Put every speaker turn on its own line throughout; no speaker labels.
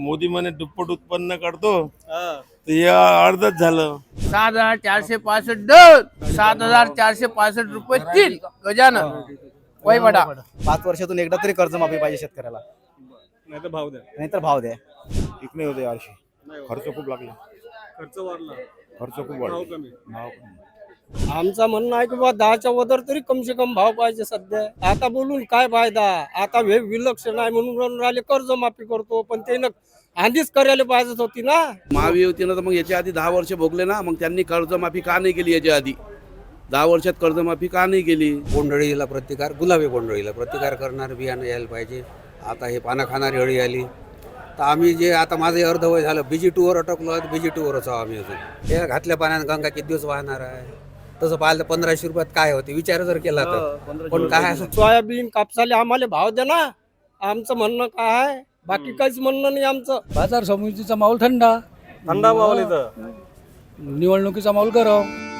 मोदी म्हणे दुप्पट उत्पन्न काढतो,
हा.
तर या अर्धच झालं.
7,465 7,465 रुपये 3 गजानन वैवडा.
5 वर्षातून एकदा तरी कर्जमाफी पाहिजे शेतकऱ्याला,
नाही तर भाव द्या.
नाहीतर भाव द्या.
ठीक नाही होते यावर्षी, खर्च खूप लागला.
खर्च वाढला,
खर्च खूप
भाव
वाढला.
कमी.
भाव
आमचं म्हणणं आहे की बा 10च्या वदर तरी कम से कम भाव पाहिजे सध्या. आता बोलून काय फायदा, आता हे विलक्षण आहे म्हणून राहिले कर्जमाफी करतो, पण ते आधीच करायला पाहिजेच होती ना.
महायुतीनं तर मग याच्या आधी 10 वर्ष भोगले ना, मग त्यांनी कर्जमाफी का नाही केली याच्या आधी? 10 वर्षात कर्जमाफी का नाही केली?
बोंडअळीला प्रतिकार, गुलाबी बोंडअळीला प्रतिकार करणार बियाणं यायला पाहिजे. आता हे पानं खाणारी अळी आली तर आम्ही जे आता माझं अर्धवय झालं BG2वर अटकलो आहे, BG2वरच आहो आम्ही अजून. हे घातल्या पाण्यानं गंगा किती दिवस वाहणार आहे? तसं पाहिलं तर 1500 रुपयात काय होते विचार जर केला तर. पण काय
सोयाबीन कापसाले आम्हाला भाव द्या ना, आमचं म्हणणं काय आहे, बाकी काहीच म्हणणं नाही आमचं.
बाजार समितीचा माहोल थंडा,
थंडा माहोल इथं.
निवडणुकीचा माहोल गरम.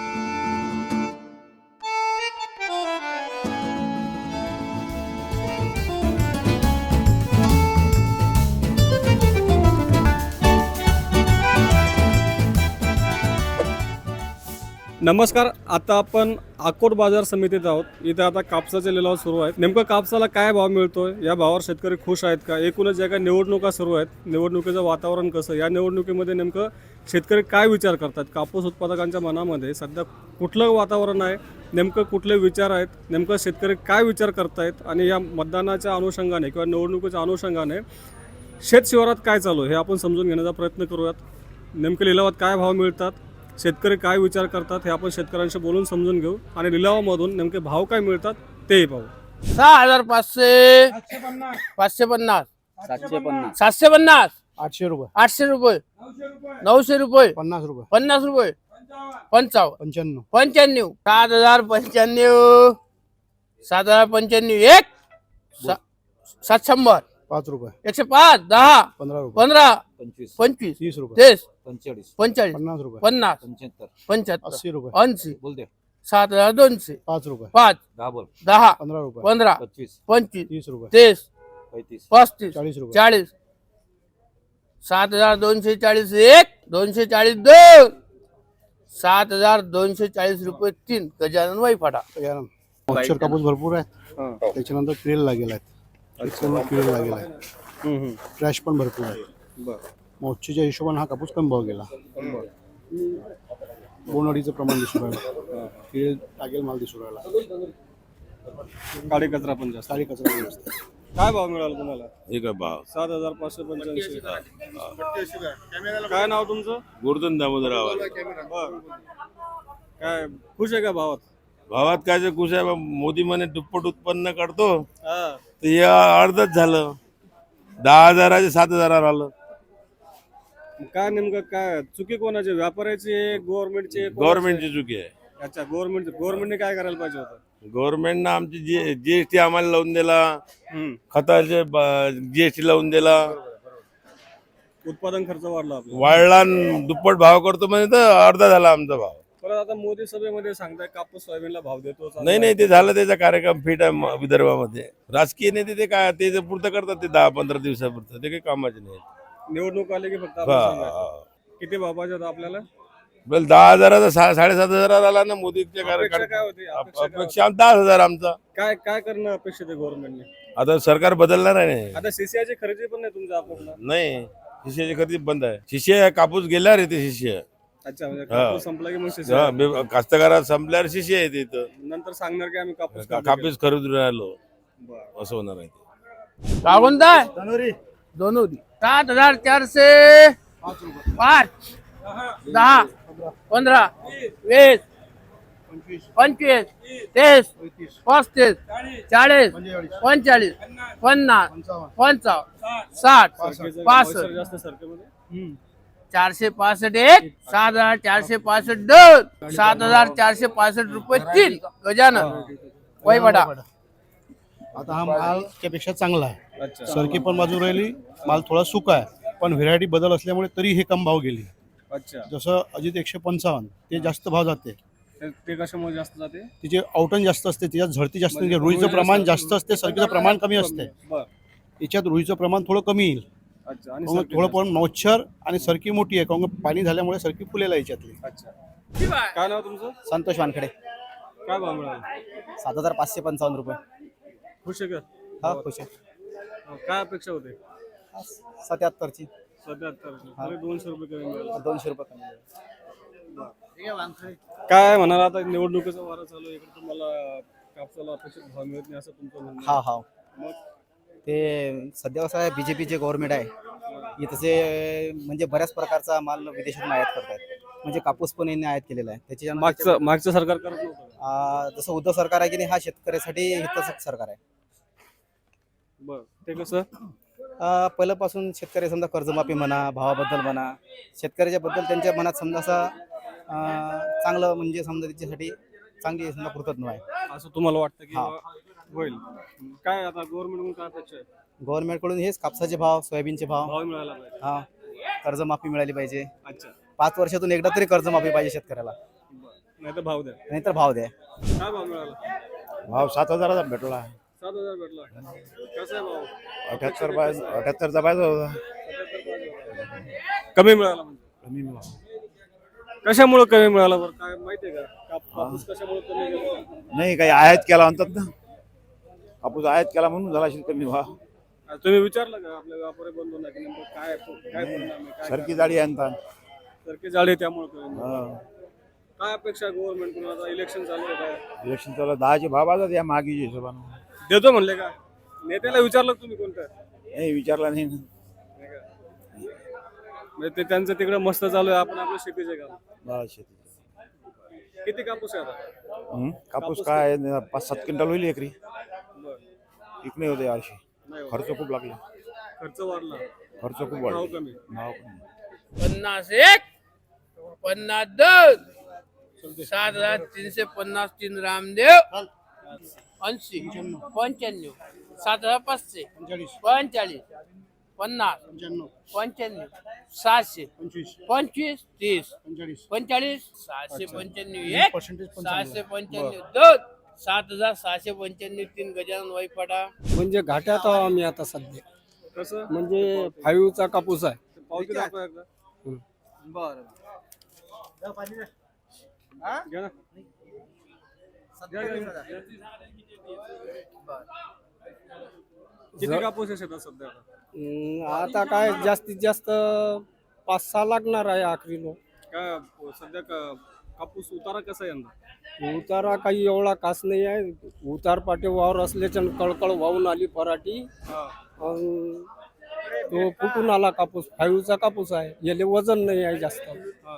नमस्कार, आता आपण अकोट बाजार समितीत आहोत. इथे आता कापसाचे लिलाव सुरू आहेत. नेमकं कापसाला काय भाव मिळतोय, या भावावर शेतकरी खुश आहेत का? एकूणच ज्या काही निवडणुका सुरू आहेत, निवडणुकीचं वातावरण कसं, या निवडणुकीमध्ये नेमकं शेतकरी काय विचार करतात? कापूस उत्पादकांच्या मनामध्ये सध्या कुठलं वातावरण आहे, नेमकं कुठले विचार आहेत, नेमकं शेतकरी काय विचार करतायत, आणि या मतदानाच्या अनुषंगाने किंवा निवडणुकीच्या अनुषंगाने शेतशिवारात काय चालू आहे हे आपण समजून घेण्याचा प्रयत्न करूयात. नेमकं लिलावात काय भाव मिळतात, शेतकरी काय विचार करतात हे आपण शेतकऱ्यांशी बोलून समजून घेऊ, आणि लिलावामधून नेमके भाव काय मिळतात तेही पाहू.
6,500 550
750
750
800 रुपये
800 रुपये 900 रुपये
50 रुपये
50 रुपये 55
95
95 7,095 7,095 1 700
5 रुपये
105 10
15 रुपये
15
25
25
30 रुपये
30
45
45
50 रुपये
50
75
75
80 रुपये
80
बोल दे.
7,200
5 रुपये
5
10 बोल.
10
15 रुपये
15
25
25
30 रुपये
30
35
35
40 रुपये
40 7,240 1 240 2 7,240 रुपये 3 गजानन वैफाटा.
मॉइश्चर कापूस भरपूर आहे, त्याच्यानंतर किडेल लागेल आहेत, किडेल लागेल आहे, ट्रॅश पण भरपूर आहे. मॉइश्चरच्या हिशोबाने हा कापूस कमी भाव गेला. बोंडअळीचं प्रमाण दिसून राहिलं, किडे लागेल माल दिसून राहिला,
काळी कचरा पण जास्त.
सारी कचरा पण जास्त आहे.
काय भाव मिळाला तुम्हाला?
एक भाव
7,585. काय नाव तुमचं?
गोवर्धन दामोदर आवाज.
बरं. काय खुश आहे का भावात?
भावात काय खुश आहे, मोदी म्हणे दुप्पट उत्पन्न काढतो,
हा.
तर या अर्धच झालं. 10,000 7,000 आलं.
काय नेमकं काय चुकी कोणाची, व्यापाऱ्याची आहे, गव्हर्नमेंटची?
गव्हर्नमेंटची चुकी आहे.
अच्छा, गव्हर्नमेंटने काय करायला पाहिजे होतं?
गव्हर्नमेंटनं आमची जीएसटी आम्हाला लावून दिला,
हम्म.
खताचे जीएसटी लावून दिला,
उत्पादन खर्च वाढला आपला.
वाढला आणि दुप्पट भाव करतो म्हणजे तर अर्धा झाला आमचा भाव.
परत आता मोदी सभेमध्ये सांगताय कापूस सोयाबीनला भाव देतो.
नाही ते झालं, त्याचा कार्यक्रम फिट आहे विदर्भामध्ये. राजकीय नेते ते काय ते पुरतं करतात, ते 10-15 दिवसापुरतं, ते काही कामाचे नाही.
निवडणूक आली की फक्त आपण सांगायचं. किती भाव पाहिजे होता आपल्याला?
10,000 7,500 आला ना मोदीच्या
अपेक्षा
कार्यक्रम.
काय होती? अपेक्षा काय होती?
अपेक्षा 10,000 आमचा.
काय करणं अपेक्षित आहे गव्हर्नमेंटने?
आता सरकार बदलणार आहे नाही.
आता सीसीआयची खरेदी पण नाही तुमच्या अकोटला?
नाही, शिष्याची खरेदी बंद आहे. शिष्य कापूस गेल्यावर येते शिष्य.
अच्छा, म्हणजे कापूस संपला की मग CCI?
कास्तकारात संपल्यावर शिष्य येते इथं.
नंतर सांगणार की आम्ही कापूस
कापूस खरेदी राहिलो,
बरं.
असं होणार आहे.
काय म्हणताय? दोनोरी 7,400 5 10 15 20 25 30 35 40 45 50 55 60 65
जास्त सरकारमध्ये
465 1 7,465 2 7,465 रुपये 3 गजानन वैवडा.
आता हा माल त्यापेक्षा चांगला आहे,
अच्छा.
सरकी पण बाजू राहिली, माल थोडा सुका आहे, पण व्हेरायटी बदल असल्यामुळे तरी हे कम भाव गेली.
अच्छा,
जसं अजित 155 ते जास्त भाव जाते,
ते कशामुळे जास्त जाते?
तिचे आउटन जास्त असते, त्याच्यात झडती जास्त म्हणजे रुईचं प्रमाण जास्त असते, सरकीचं प्रमाण कमी असते.
बरं.
याच्यात रुईचं प्रमाण थोडं कमी येईल,
अच्छा आणि
काहून
सरकी
थोडं
जास्त.
पण मच्छर आणि सरकी मोठी आहे, काहून पाणी झाल्यामुळे सरकी फुलेला याच्यातली.
अच्छा काय नाव तुमचं?
संतोष वानखडे.
काय भाव मिळाला?
7,555 रुपये.
खुश आहे का?
हा खुश आहे.
काय अपेक्षा होते?
77ची
77 200 रुपये कमी मिळाला.
200 रुपये कमी.
काय म्हणाल आता निवडणुकीचा वारा चालू आहे, इकडे तुम्हाला कापसाला अपेक्षित भाव मिळत नाही असं तुमचं म्हणणं आहे.
हा हा
मग
ते सध्या कसं आहे, बीजेपीचे गव्हर्नमेंट आहे इथचे, म्हणजे बऱ्याच प्रकारचा माल विदेशातून आयात करतात. म्हणजे कापूस पण यांनी आयात केलेला आहे.
मागचं सरकार करत नव्हतं का?
जसं उद्धव सरकार आहे की नाही, हा शेतकऱ्यासाठी हितच सरकार आहे.
बरं ते कसं?
पहिल्यापासून शेतकरी समजा कर्जमाफी म्हणा, भावाबद्दल म्हणा, शेतकऱ्याच्या बद्दल त्यांच्या मनात समजा असं चांगलं, म्हणजे समजा त्याच्यासाठी चांगली समजा कृतज्ञ आहे.
असं तुम्हाला वाटतं की
हा.
होईल? काय आता गव्हर्नमेंट काय अपेक्षा आहे?
गव्हर्नमेंटकडून हेच कापसाचे भाव, सोयाबीनचे भाव,
भाव मिळाला पाहिजे.
हा कर्जमाफी मिळाली पाहिजे.
अच्छा
5 वर्षातून एकदा तरी कर्जमाफी पाहिजे शेतकऱ्याला,
नाही तर भाव द्या.
नाहीतर भाव द्या.
काय भाव मिळाला?
भाव 7,000चा भेटला.
7,000 भेटला. कसा आहे भाव?
78चा पाहिजे होता.
कमी मिळाला म्हणजे?
कमी मिळाला.
कशामुळे कमी मिळाला बरं? काय माहितीये का? कापूस कशामुळे कमी गेला?
नाही काही आयात केला म्हणतात ना, कापूस आयात केला म्हणून झाला असेल कमी भाव.
तुम्ही विचारलं का आपल्या व्यापारी बंधूंना की नेमकं काय काय परिणाम आहे, काय
सरकी जाडी आणतात.
सरकी जाळी त्यामुळे कमी मिळालं.
हा.
काय अपेक्षा गव्हर्नमेंट कडून? आता इलेक्शन चालू आहे काय?
इलेक्शन चालू 10चे भाव आतात या मागीच्या हिशोबानं.
देतो म्हणले का? नेत्याला विचारलं का तुम्ही कोणतं?
नाही विचारला नाही ना.
म्हणजे ते त्यांचं तिकडे मस्त चालू आहे, आपण आपल्या शेतीचे काम.
बा शेती.
किती कापूस आहे आता?
कापूस काय 5-7 क्विंटल होईल एकरी.
बरं.
इकडे होते यावर्षी.
नाही हो.
खर्च खूप लागला.
खर्च वाढला,
खर्च खूप
भाव
वाढला.
कमी.
भाव कमी.
51, 52, 7,350 3 रामदेव, 80, 95, 7,500, 45, 50, 95, 700, 25, 30, 45, 695, 1, 695, 2, 7,695 3 गजानन वाईपाडा.
म्हणजे घाट्यात आहोत आम्ही आता सध्या.
कसं?
म्हणजे 5चा कापूस आहे.
पावती दाखवा एकदा. घ्या ना. किती कापूस आहे शेतात सध्या आता?
आता काय जास्तीत जास्त 5-6 लागणार आहे आखरीलो.
काय सध्या कापूस उतारा कसा आहे यंदा?
उतारा काही एवढा कास नाही आहे. उतार पाटे वावर असल्याच्या कळकळ वाहून आली पराठी. अन तो फुटून आला कापूस. 5चा कापूस आहे, याले वजन नाही आहे जास्त.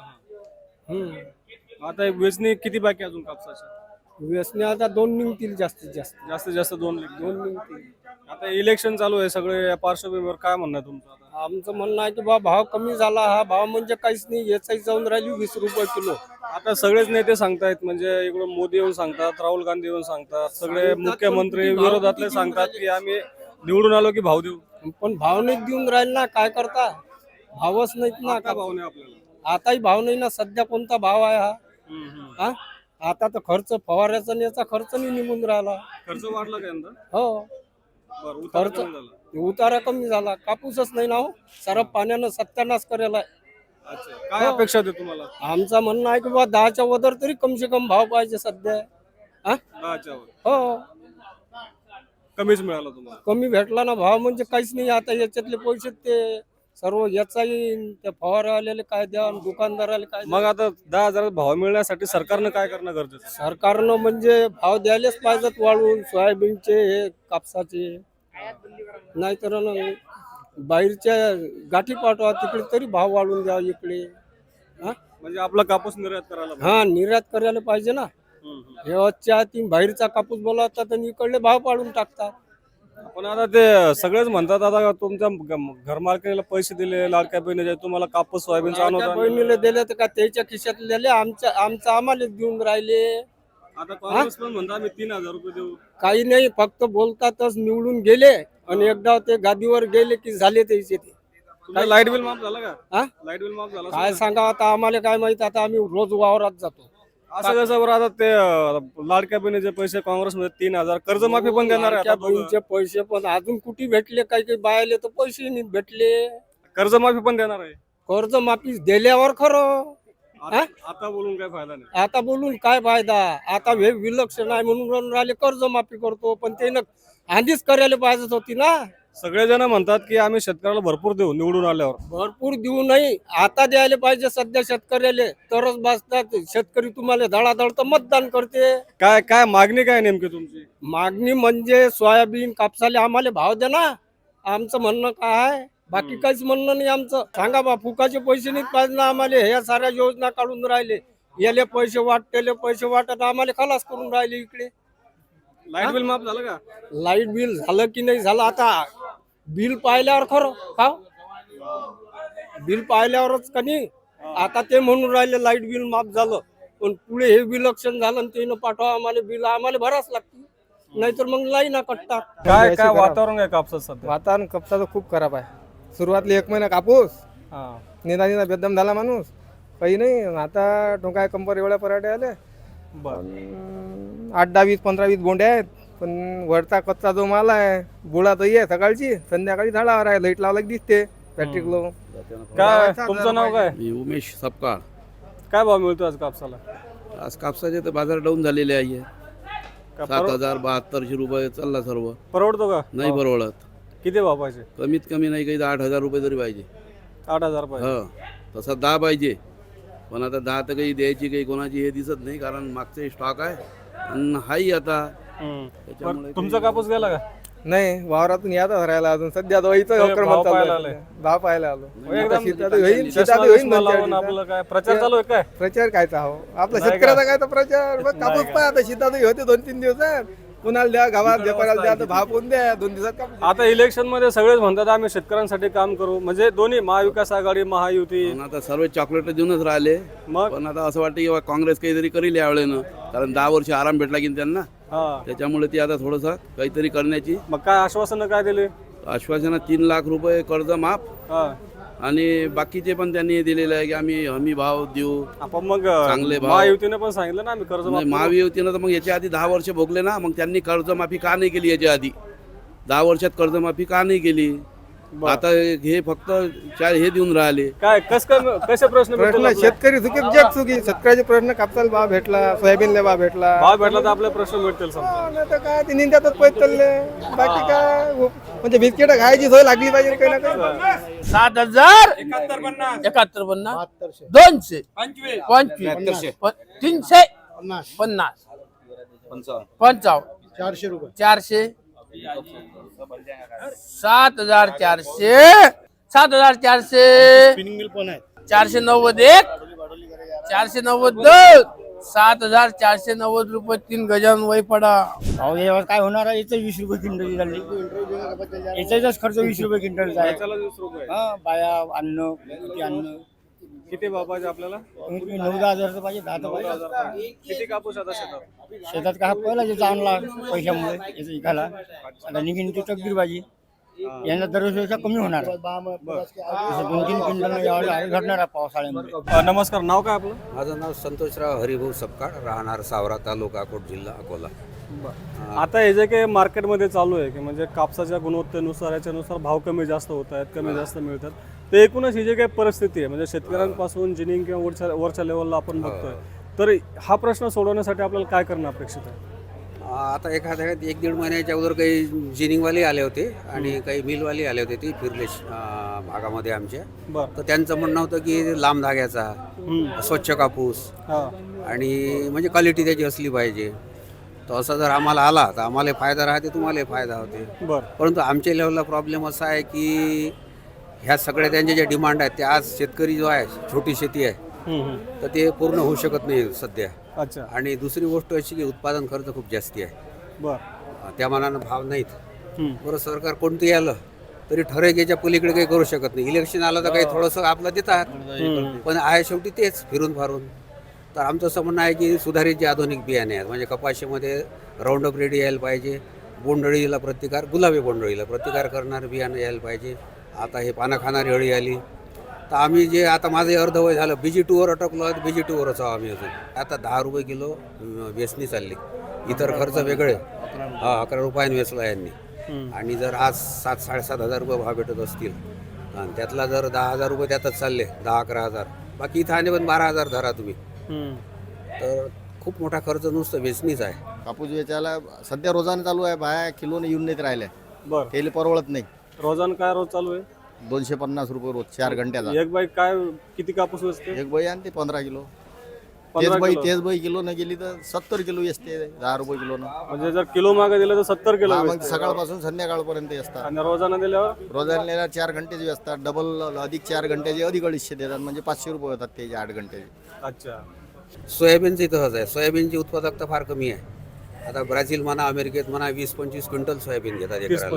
आता हे वेचणी किती बाकी आहे अजून कापसाच्या?
व्यसने आता 2 निघतील जास्तीत जास्त.
जास्तीत जास्त 2
निघतील.
आता इलेक्शन चालू आहे सगळे, या पार्श्वभूमीवर काय म्हणणं आहे तुमचं आता?
आमचं म्हणणं आहे की बा भाव कमी झाला. हा भाव म्हणजे काहीच नाही, याचाही जाऊन राहिली 20 रुपये किलो.
आता सगळेच नेते सांगतायत, म्हणजे इकडून मोदी येऊन सांगतात, राहुल गांधी येऊन सांगतात, सगळे मुख्यमंत्री विरोधातले सांगतात की आम्ही निवडून आलो की भाव देऊ.
पण भाव नाही देऊन राहील ना, काय करता? भावच नाहीत ना.
आता भाव नाही आपल्याला.
आताही भाव नाही ना. सध्या कोणता भाव आहे हा? हा? आता तर खर्च फवाऱ्याचा आणि याचा खर्च नाही निघून राहिला.
खर्च वाढला का यंदा?
हो,
बरं, उतारा
खर्च
कमी झाला.
उतारा कमी झाला. कापूसच नाही ना हो. सारा पाण्यानं सत्यानाश करेला आहे.
अच्छा, काय अपेक्षा होते तुम्हाला?
आमचं म्हणणं आहे की बा 10च्या वदर तरी कमसे कम भाव पाहिजे सध्या. हा?
10च्या वर
हो,
कमीच मिळाला तुम्हाला.
कमी भेटला ना भाव, म्हणजे काहीच नाही. आता याच्यातले पैसे ते सर्व याचाही त्या फवारावाल्याला काय द्या, दुकानदाराला काय द्या.
मग आता 10,000 भाव मिळण्यासाठी सरकारनं काय करणं गरजेचं आहे?
सरकारनं म्हणजे भाव द्यायलाच पाहिजेत वाढवून, सोयाबीनचे हे कापसाचे. नाहीतर बाहेरच्या गाठी पाठवा तिकडे तरी भाव वाढवून द्या इकडे. हा,
म्हणजे आपला कापूस निर्यात करायला पाहिजे.
हा, निर्यात करायला पाहिजे ना. हे आजच्या तीन बाहेरचा कापूस बोलावतात आणि इकडले भाव पाडून टाकतात.
पण आता ते सगळेच म्हणतात आता तुमच्या घरमालकीला पैसे दिले, लाडक्या बहिणीचे, तुम्हाला कापूस सोयाबीनचा
लाडक्या
अनुदान.
बहिणीला दिले तर का त्याच्या खिशात दिले, आमचं आम्हाला देऊन राहिले.
आता काँग्रेस पण म्हणतात आम्ही 3,000 रुपये देऊ.
काही नाही, फक्त बोलतातच. निवडून गेले आणि एकदा ते गादीवर गेले की झाले त्याचे ते.
तुमचं लाईट बिल माफ झालं का?
हा?
लाईट बिल माफ झालं
काय सांगा आता, आम्हाला काय माहित. आता आम्ही रोज वावरात जातो.
असं कसं बरं आता ते लाडक्या बहिणीचे पैसे काँग्रेसमध्ये 3,000 कर्जमाफी पण देणार आहे
लाडक्या
आता दोघं.
बहिणीचे पैसे पण अजून कुठे भेटले, काही काही बायले तर पैसे नाही भेटले.
कर्जमाफी पण देणार आहे.
कर्ज माफी दिल्यावर खरं,
आता बोलून काय फायदा नाही.
आता बोलून काय फायदा. आता हे विलक्षण आहे म्हणून राहिले कर्ज माफी करतो, पण ते आधीच करायला पाहिजेच होती ना.
सगळेजण म्हणतात की आम्ही शेतकऱ्याला भरपूर देऊ निवडून आल्यावर.
भरपूर देऊ नाही, आता द्यायला पाहिजे सध्या शेतकऱ्याला, तरच बसतात. शेतकरी तुम्हाला धडाधड तर मतदान करते.
काय काय मागणी काय नेमकी तुमची?
मागणी म्हणजे सोयाबीन कापसाले आम्हाला भाव द्या ना. आमचं म्हणणं काय आहे, बाकी काहीच म्हणणं नाही आमचं. सांगा बा, फुकाचे पैसे नाही पाहिजे ना आम्हाला. ह्या साऱ्या योजना काढून राहिले, याले पैसे वाट त्याले पैसे वाटत आम्हाला खलास करून राहिले. इकडे
लाईट बिल माफ झालं का?
लाईट बिल झालं की नाही झालं, आता बिल पाहिल्यावर खरं का, बिल पाहिल्यावरच का नाही. आता ते म्हणून राहिले लाईट बिल माफ झालं, पण पुढे हे विलक्षण झालं आणि ते पाठवा आम्हाला बिल, आम्हाला भरावंच लागते, नाहीतर मग लाईन कटतात.
काय काय वातावरण आहे कापसात सध्या?
वातावरण कापसाचं खूप खराब आहे. सुरुवातले 1 महिना कापूस,
हा.
निना बेदम झाला माणूस, काही नाही. आता टोकाय कंपर एवढ्या पराठे आले.
बरं.
8, 10, 20, 15, 20 बोंडे आहेत, पण वरचा कच्चा जो माल आहे बुळा तर आहे सकाळची, संध्याकाळी झाडावर आहे. लाईट लावला की दिसते फॅक्टरी लो.
काय तुमचं नाव काय?
मी उमेश सपकाळ.
काय भाव मिळतो आज कापसाला?
आज कापसाचे तर बाजार डाऊन झालेले आहे.
का
7,000-7200 रुपये चालला सर्व.
परवडतो का?
नाही परवडत.
किती भाव पाहिजे?
कमीत कमी नाही काही 8,000 रुपये तरी पाहिजे.
8,000 पाहिजे.
हो, तसा 10 पाहिजे, पण आता 10 तर काही द्यायची काही कोणाची हे दिसत नाही, कारण मागचे स्टॉक आहे आणि हाही आता.
बरं, तुमचा कापूस गेला का?
नाही, वावरातून यातच राहिला अजून सध्या दवाईचं
भाव
क्रमात
पाहायला
चालू
आले.
आहे. भाव पाहायला आलो.
एकदम
आता शेतात होईल, शेतात
चष्मा
होईल
बिष्मा
2-4
लावून
दिवसात.
आपलं काय प्रचार चालू आहे काय?
प्रचार कायचा हो आपला
नाही
शेतकऱ्याचा
का?
काय तर प्रचार. मग कापूस
का?
पाहा, आता शेतातही होते 2-3 दिवसात. कुणाला द्या, गावात व्यापाऱ्याला द्या, तर भाव कोण द्या, 2 दिवसात कापूस.
आता इलेक्शन मध्ये सगळेच म्हणतात आम्ही शेतकऱ्यांसाठी काम करू, म्हणजे दोन्ही महाविकास आघाडी महायुती.
पण आता सर्व चॉकलेट देऊनच राहिले.
मग
पण आता असं वाटतं की काँग्रेस काहीतरी करील यावेळेनं, कारण 10 वर्ष आराम भेटला की त्यांना,
हा,
त्याच्यामुळे ती आता थोडंसं काहीतरी करण्याची
मग काय आश्वासनं काय दिली?
आश्वासनं 3 लाख रुपये कर्ज माफ,
हा,
आणि बाकीचे पण त्यांनी दिलेले आहे की आम्ही हमी भाव देऊ.
आपण मग
चांगले भाव.
महायुतीने पण सांगितलं ना आम्ही कर्ज माफ
नाही,
करू.
महायुतीनं तर मग याच्या आधी 10 वर्ष भोगले ना, मग त्यांनी कर्जमाफी का नाही केली याच्या आधी? 10 वर्षात कर्जमाफी का नाही केली?
बरं.
आता हे फक्त हे देऊन राहिले.
काय कसे प्रश्न भेटतील
प्रश्न
आपले?
शेतकरी चुकीत जग चुकी. शेतकऱ्याचे प्रश्न कापसाला भाव भेटला, सोयाबीनला भाव भेटला.
भाव भेटला तर आपले प्रश्न भेटतील समजा.
हा, नाही तर काय ते निंद्यातच पैसे चालले. बाकी काय म्हणजे बिस्किट खायची सोय लागली पाहिजे काही ना काही.
7,000 71 200 25 350 55
400 रुपये
400 7,400 7,400
स्पिनिंग मिल पण आहे.
491 492 7,490 रुपये 3 गजान वय पडा.
अहो यावर काय होणार आहे, याचं 20 रुपये क्विंटल झाली. याचाच खर्च 20 रुपये क्विंटल आहे.
त्याला 20 रुपये.
हा, बाया अन्न किती अन्न,
किती भाव पाहिजे आपल्याला?
9,000 पाहिजे, 10 पाहिजे.
किती कापूस आता शेतात?
शेतात काय पहिला ज्याचा आणला पैशामुळे याचा इकाला, आता निघीन ती तकदीर भाजी. यांना दरवर्षीपेक्षा कमी होणार. 2-3 क्विंटल यावेळी घडणार आहे पावसाळ्यामध्ये.
नमस्कार, नाव काय आपलं?
माझं नाव संतोषराव हरिभाऊ सपकाळ, राहणार सावरा तालुका अकोट जिल्हा अकोला.
आता हे जे काही मार्केटमध्ये चालू आहे की म्हणजे कापसाच्या गुणवत्तेनुसार याच्यानुसार भाव कमी जास्त होत आहेत, कमी जास्त मिळतात, तर एकूणच ही जी काही परिस्थिती आहे म्हणजे शेतकऱ्यांपासून जिनिंग किंवा वरच्या लेवलला आपण बघतोय, तर हा प्रश्न सोडवण्यासाठी आपल्याला काय करणं अपेक्षित आहे?
आता एखाद्या 1-1.5 महिन्याच्या अगोदर काही जिनिंगवाले आले होते आणि काही मिलवाले आले होते, ते फिरले भागामध्ये आमच्या.
बरं.
तर त्यांचं म्हणणं होतं की लांब धाग्याचा, स्वच्छ कापूस
हा,
आणि म्हणजे क्वालिटी त्याची असली पाहिजे. तर असं जर आम्हाला आला तर आम्हाला फायदा राहते, तुम्हालाही फायदा होते.
बरं.
परंतु आमच्या लेवलला प्रॉब्लेम असा आहे की ह्या सगळ्या त्यांच्या ज्या डिमांड आहेत त्या आज शेतकरी जो आहे, छोटी शेती आहे, तर ते पूर्ण होऊ शकत नाही सध्या.
अच्छा.
आणि दुसरी गोष्ट अशी की उत्पादन खर्च खूप जास्ती आहे.
बरं.
त्या मानानं भाव नाहीत. बरं, सरकार कोणतंही आलं तरी ठराविकेच्या पलीकडे काही करू शकत नाही. इलेक्शन आलं तर काही थोडंसं आपलं देतात, पण आहे शेवटी तेच फिरून फारून. तर आमचं असं म्हणणं आहे की सुधारित जे आधुनिक बियाणे आहेत, म्हणजे कपाशीमध्ये राऊंडअप रेडी यायला पाहिजे, बोंडअळीला प्रतिकार, गुलाबी बोंडअळीला प्रतिकार करणारं बियाणं यायला पाहिजे. आता हे पानं खाणारी अळी आली, तर आम्ही जे आता माझं अर्धवय झालं BG2वर अटकलो आहे, BG2वरच आहो आम्ही अजून. आता 10 रुपये किलो वेचणी चालली, इतर खर्च वेगळे. 11 रुपयाने वेचला यांनी. आणि जर आज 7-7.5 हजार रुपये भाव भेटत असतील आणि त्यातला जर 10,000 रुपये त्यातच चालले, 10-11 हजार, बाकी इथं आणि पण 12,000 धरा तुम्ही, तर खूप मोठा खर्च नुसतं वेचणीच आहे.
कापूस वेचायला सध्या रोजाने चालू आहे, बाया किलोने येऊन नाहीत राहिल्या,
बर
तेल परवडत नाही.
रोजानं काय रोज चालू आहे?
250 रुपये रोज 4 घंट्याचा.
एक बाई काय किती कापूस वेचते?
एक बाई आणते 15 किलो.
15 किलो.
तेच बाई किलो न गेली तर 70 किलो असते, 10 रुपये किलो.
म्हणजे जर किलो मागे दिलं तर 70 किलो
मग
वेचते.
सकाळपासून संध्याकाळपर्यंत असतात.
आणि रोजानं दिल्यावर
रोजाने 4 घंट्याची असतात, डबल अधिक 4 घंट्याचे अधिक 250 देतात, म्हणजे 500 रुपये होतात ते 8 घंट्याचे.
अच्छा.
सोयाबीनचं तसंच आहे. सोयाबीनची उत्पादकता फार कमी आहे. आता ब्राझील म्हणा, अमेरिकेत म्हणा 20-25 क्विंटल सोयाबीन घेतात एकराला.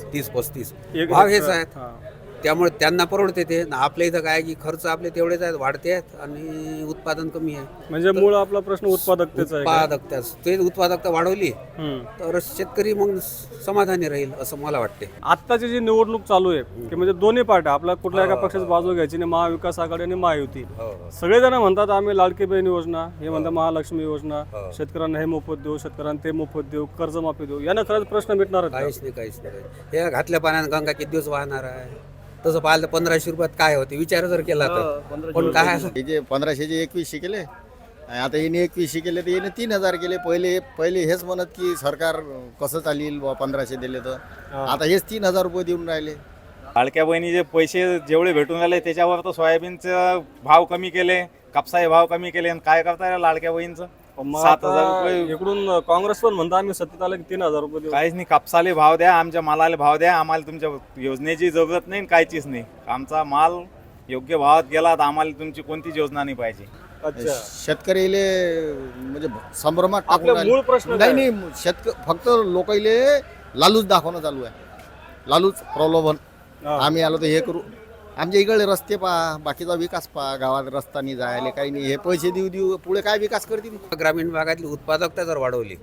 30-35 भाव हेच आहेत. त्यामुळे त्यांना परवडते ते. आपल्या इथं काय की खर्च आपले तेवढेच आहेत, वाढते आहेत आणि उत्पादन कमी आहे.
म्हणजे मूळ आपला प्रश्न उत्पादकतेचा आहे का?
उत्पादकता, ते उत्पादकता वाढवली तर शेतकरी मग समाधानी राहील असं मला वाटते.
आत्ताची जी निवडणूक चालू आहे की म्हणजे दोन्ही पार्ट्या, आपल्या कुठल्या एका पक्षाची बाजू घ्यायची नाही, महाविकास आघाडी आणि महायुती. सगळेजण म्हणतात आम्ही लाडकी बहीण योजना, हे म्हणतात महालक्ष्मी योजना, शेतकऱ्यांना हे मोफत देऊ, शेतकऱ्यांना ते मोफत देऊ, कर्जमाफी देऊ. यानं खरंच प्रश्न मिटणार
काहीच नाही. हे घातल्या पाण्यात गंगा किती दिवस वाहणार आहे? तसं पाहिलं 1500 रुपयात काय होते विचार जर केला तर. पण काय
हे जे 1500चे 2100 केले, आता येणे 2100 केले तर येणे 3000 केले. पहिले हेच म्हणत की सरकार कसं चालेल 1500 दिले तर, आता हेच 3000 रुपये देऊन राहिले.
लाडक्या बहिणीचे पैसे जेवढे भेटून राहिले त्याच्यावर तर सोयाबीनचे भाव कमी केले, कापसाचे भाव कमी केले, आणि काय करताय लाडक्या बहिणीचं? 7,000 रुपये.
इकडून काँग्रेस पण म्हणता आम्ही सत्तेत आले की 3,000 रुपये देऊ.
काहीच नाही, कापसाले भाव द्या, आमच्या मालाला भाव द्या, आम्हाला तुमच्या योजनेची जरूरत नाही, काहीचीच नाही. आमचा माल योग्य भावात गेला तर आम्हाला तुमची कोणतीच योजना नाही पाहिजे.
अच्छा.
शेतकरीले म्हणजे संभ्रमात टाकून
आपला मूळ प्रश्न काय?
नाही फक्त लोकांले लालूच दाखवणं चालू आहे, लालूच प्रलोभन. आम्ही आलो तर हे करू, आमच्या इकडे रस्ते पहा, बाकीचा विकास पहा, गावात रस्ता नाही जायला काही नाही, हे पैसे देऊ पुढे काय विकास करतील?
ग्रामीण भागातली उत्पादकता जर वाढवली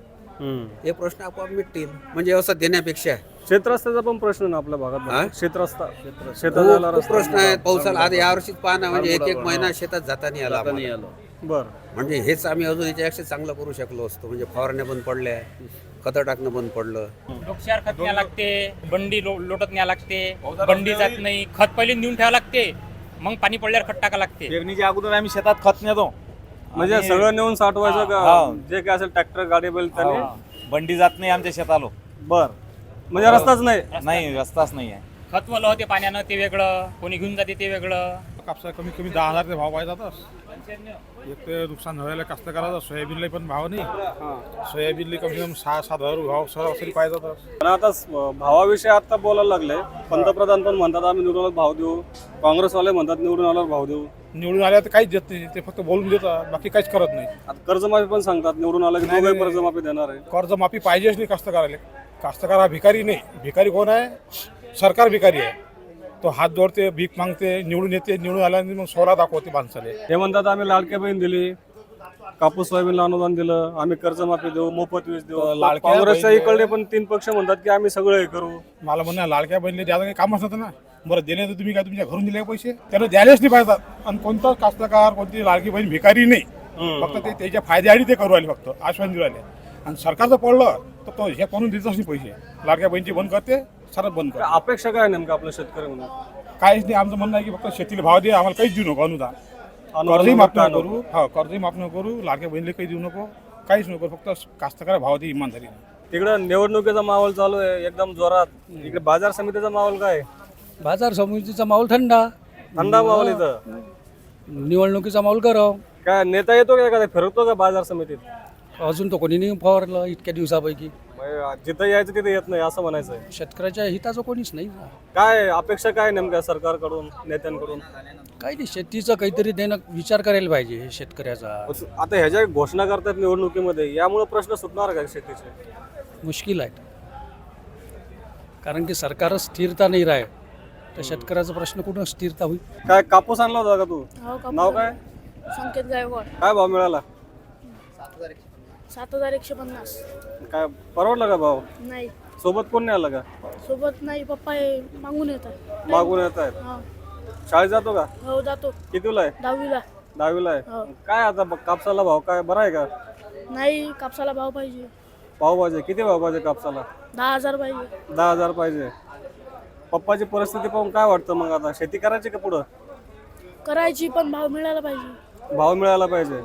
हे प्रश्न आपोआप मिटतील. म्हणजे असं देण्यापेक्षा
क्षेत्रस्ताचा पण प्रश्न ना आपल्या भागात. क्षेत्रस्ता
खूप प्रश्न आहेत. पावसाला आज यावर्षीच पाहणं म्हणजे एक महिना शेतात जाता नाही आला.
बर,
म्हणजे हेच आम्ही अजून याच्यापेक्षा चांगलं करू शकलो असतो. म्हणजे फवारण्या बंद पडल्या, खतं टाकणं बंद पडलं.
डोक्यावर खत न्यावं लागते, बंडी लोटत न्यावं लागते, बंडी जात नाही, खत पहिले नेऊन ठेवावं लागते, मग पाणी पडल्यावर खत टाका लागते.
पेरणीच्या अगोदर आम्ही शेतात खत नेतो,
म्हणजे सगळं नेऊन साठवायचं का? जे काय असेल ट्रॅक्टर गाडी बैल त्याने
बंडी जात नाही आमच्या शेतालो.
बर, म्हणजे रस्ताच
नाही, रस्ताच नाही आहे.
खत वलं होते पाण्यानं ते वेगळं, कोणी घेऊन जाते ते वेगळं.
कापसा कमीत कमी 10,000 ते भाव पाहिजे जातात. एक ते नुकसान व्हायला कास्तकाराचा. सोयाबीनला पण भाव नाही, सोयाबीनला कमी कमी 6-7 हजार भाव सरासरी पाहिजे जातात.
पण आता भावाविषयी आता बोलायला लागले. पंतप्रधान पण म्हणतात आम्ही निवडून आल्यावर भाव देऊ, काँग्रेसवाले म्हणतात निवडून आल्यावर भाव देऊ.
निवडून आल्या तर काहीच देत नाही, ते फक्त बोलून देतात, बाकी काहीच करत नाही.
आता कर्जमाफी पण सांगतात निवडून आलं की दोघे कर्जमाफी देणार आहे.
कर्जमाफी पाहिजेच नाही कास्तकाराला. कास्तकार हा भिकारी नाही. भिकारी कोण आहे? सरकार भिकारी आहे. तो हात जोडते, भीक मागते, निवडून येते, निवडून आल्यानंतर मग सोडा दाखवते माणसाले.
हे म्हणतात आम्ही लाडक्या बहीण दिली, कापूस सोयाबीनला अनुदान दिलं, आम्ही कर्जमाफी देऊ, मोफत वीज देऊ. काँग्रेसच्या इकडे पण 3 पक्ष म्हणतात की आम्ही सगळं हे करू.
मला म्हणणं लाडक्या बहिणीला द्यायला काही कामच नव्हतं ना. बरं दिले तर तुम्ही काय तुमच्या घरून दिले पैसे? त्याला द्यायलाच नाही पाहिजे. आणि कोणताच कास्तकार, कोणती लाडकी बहीण भिकारी नाही. फक्त ते त्याच्या फायद्यासाठी ते करू राहिले, फक्त आश्वासन देऊ राहिले. आणि सरकारचं पडलं तर तो हे करून देतच नाही पैसे. लाडक्या बहिणीची बंद करते, सरच बंद करते.
अपेक्षा काय नेमकं आपल्या शेतकरी म्हणून?
काहीच नाही. आमचं म्हणणं आहे की फक्त शेतीला भाव दे, आम्हाला काहीच देऊ नको अनुदान. कर्जही माफ नको करू. कर्जही माफ नको करू, लाडक्या बहिणीला काही देऊ नको, काहीच नको. फक्त कास्तकार भाव दे इमानदारी.
तिकडं निवडणुकीचा माहोल चालू आहे एकदम जोरात. इकडे बाजार समितीचा माहोल काय?
बाजार समितीचा माहोल थंडा
माहोल इथं.
निवडणुकीचा माहोल गरम.
काय नेता येतो का एखादा, फिरतो का बाजार समितीत?
अजून तो कोणी नाही फवारलं इतक्या दिवसापैकी.
जिथं यायचं तिथे येत नाही असं म्हणायचं आहे.
शेतकऱ्याच्या हिताचं कोणीच नाही.
काय अपेक्षा काय नेमक्या सरकारकडून, नेत्यांकडून?
काही नाही, शेतीचं काहीतरी देणं विचार करायला पाहिजे शेतकऱ्याचा.
आता ह्याच्या घोषणा करतात निवडणुकीमध्ये, यामुळे प्रश्न सुटणार का शेतीचे?
मुश्किल आहे, कारण की सरकारच स्थिरता नाही राहील तर शेतकऱ्याचा प्रश्न कुठं स्थिरता होईल?
काय कापूस आणला होता का तू? नाव काय?
संकेत गायकवाड.
काय भाव मिळाला?
7,150.
काय परवडला का भाव?
नाही.
सोबत कोण नाही आलं का?
सोबत नाही, पप्पा मागून येतात.
मागून येत आहेत. शाळेत जातो का?
हो जातो
कितीला आहे?
10वीला.
10वीला आहे.
हो.
काय आता कापसाला भाव काय बरा आहे का?
नाही कापसाला भाव पाहिजे.
भाव पाहिजे. किती भाव पाहिजे कापसाला?
10,000 पाहिजे.
10,000 पाहिजे. पप्पाची परिस्थिती पाहून काय वाटतं मग आता शेती करायची का पुढं?
करायची पण भाव मिळाला पाहिजे.
भाव मिळाला पाहिजे.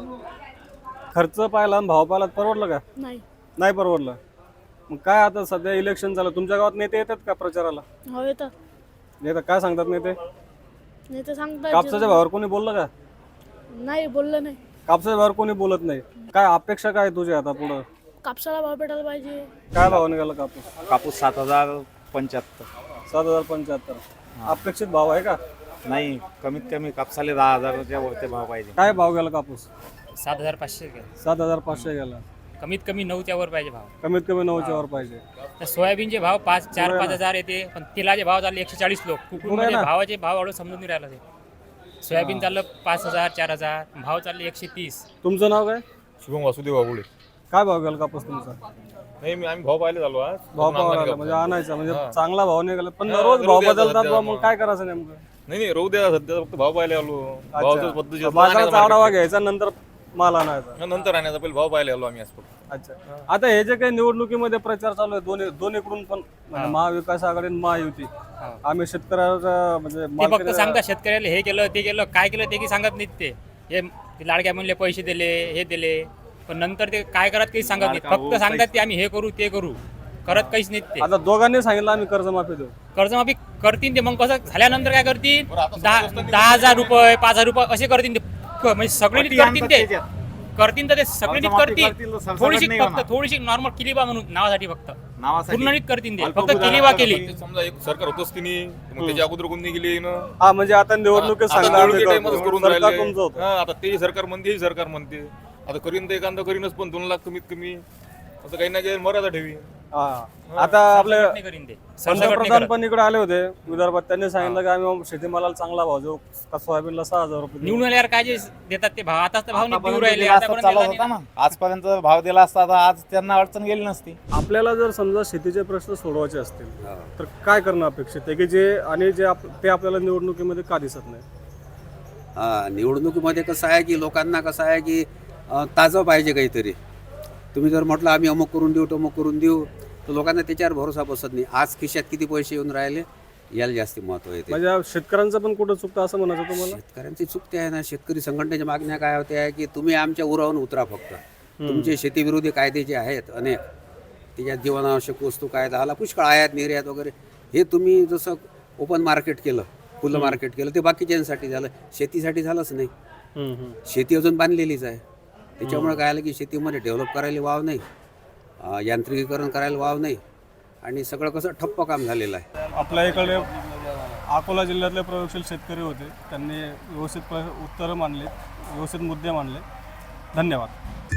खर्च पाहिला आणि भाव पाहिला परवडलं का?
नाही.
नाही परवडलं. मग काय आता सध्या इलेक्शन झालं, तुमच्या गावात नेते येतात का प्रचाराला?
हो येतात.
नेता काय सांगतात नेते?
नेते सांगतात
कापसाच्या भावावर कोणी बोललं का?
नाही बोललं नाही.
कापसाच्या भावावर कोणी बोलत नाही. काय अपेक्षा काय तुझी आता पुढं?
कापसाला भाव भेटायला पाहिजे.
काय भाव निघाला कापूस?
कापूस 7,075.
7,075. अपेक्षित भाव आहे का?
नाही, कमीत कमी कापसाले 10,000च्या वरती भाव पाहिजे.
काय भाव गेला कापूस?
7,500 गेला.
7,500 गेला.
कमीत कमी 9च्या वर पाहिजे भाव.
कमीत कमी 9च्या वर पाहिजे.
तर सोयाबीनचे भाव 4-5 हजार येते, पण तेलाचे भाव चालले 140 लोक. कुकुरमध्ये भावाचे भाव वाढून समजून नाही राहिला ते. सोयाबीन चाललं 5,000 4,000, भाव चालले 130.
तुमचं नाव काय?
शुभम वासुदेव बाबुळे.
काय भाव गेला कापूस तुमचा?
नाही आम्ही भाव पाहिले झालो आज.
भाव पाहायला म्हणजे आणायचा म्हणजे चांगला भाव निघाला, पण रोज भाव बदलतात बा, मग काय करायचं नेमकं?
नाही रोज द्या सध्या फक्त भाव पाहिले आलो.
अच्छा. बाजाराचा आढावा घ्यायचा नंतर माल आणायचा.
नंतर आणायचा पहिले भाव पाहिले आलो आम्ही आज फक्त.
अच्छा. आता हे जे काही निवडणुकीमध्ये प्रचार चालू आहे दोन्हीकडून पण म्हणजे महाविकास आघाडी आणि महायुती, आम्ही शेतकऱ्याचा म्हणजे
ते फक्त सांगतात शेतकऱ्याला हे केलं ते केलं, काय केलं ते की सांगत नाहीत. ते लाडक्या म्हणले पैसे दिले हे दिले, पण नंतर ते काय करत काही सांगत नाहीत. फक्त सांगतात ते आम्ही हे करू ते करू, करत काहीच नाहीत ते.
आता दोघांनी सांगितलं आम्ही कर्जमाफी देऊ.
कर्जमाफी करतील ते, मग कसं झाल्यानंतर काय करतील? 10,000 रुपये 5,000 रुपये असे करतील ते. म्हणजे सगळे नीट करतील ते. करतील तर ते सगळे नीट करतील. थोडीशी फक्त थोडीशी नॉर्मल किलीबा म्हणून नावासाठी फक्त पूर्ण नीट करतील ते. फक्त किलीबा केली.
समजा एक सरकार होतच की नाही, मग त्याच्या अगोदर कोणी गेली ना.
हा म्हणजे आता निवडणुकीत सांगणार
आता ते सरकार म्हणते ही सरकार म्हणते. आता करीन तर एखादा करीनच, पण 2 लाख कमीत कमी असं काही नाही मर्यादा ठेवी.
आता आपले पंतप्रधान पण इकडे आले होते विदर्भात, त्यांनी सांगितलं की आम्ही शेतीमालाला चांगला भाव देऊ, सोयाबीनला 6,000 रुपये
निवडून आल्यावर काय जे देतात ते भाव आताच भाव नाही देऊ राहिले.
आजपर्यंत भाव दिला असता तर आज त्यांना अडचण गेली नसती.
आपल्याला जर समजा शेतीचे प्रश्न सोडवायचे असतील तर काय करणं अपेक्षित आहे की जे आणि जे ते आपल्याला निवडणुकीमध्ये का दिसत नाही?
निवडणुकीमध्ये कसं आहे की लोकांना कसं आहे की ताजं पाहिजे काहीतरी. तुम्ही जर म्हटलं आम्ही अमुक करून देऊ तमुक करून देऊ, तर लोकांना त्याच्यावर भरोसा बसत नाही. आज खिशात किती पैसे येऊन राहिले याला जास्त महत्व येते.
म्हणजे शेतकऱ्यांचं पण कुठं चुकतं असं म्हणायचं तुम्हाला?
शेतकऱ्यांची चुकते आहे ना. शेतकरी संघटनेच्या मागण्या काय होत्या की तुम्ही आमच्या उरावून उतरा, फक्त तुमचे शेतीविरोधी कायदे जे आहेत अनेक, त्याच्यात जीवनावश्यक वस्तू कायदा आला, पुष्कळ आयात निर्यात वगैरे, हे तुम्ही जसं ओपन मार्केट केलं, खुलं मार्केट केलं, ते बाकीच्यांसाठी झालं, शेतीसाठी झालंच नाही. शेती अजून बांधलेलीच आहे. त्याच्यामुळे काय आलं की शेतीमध्ये डेव्हलप करायला वाव नाही, यांत्रिकीकरण करायला वाव नाही, आणि सगळं कसं ठप्प काम झालेलं आहे.
आपल्या इकडे अकोला जिल्ह्यातले प्रयोगशील शेतकरी होते, त्यांनी व्यवस्थित उत्तरं मांडली, व्यवस्थित मुद्दे मांडले. धन्यवाद.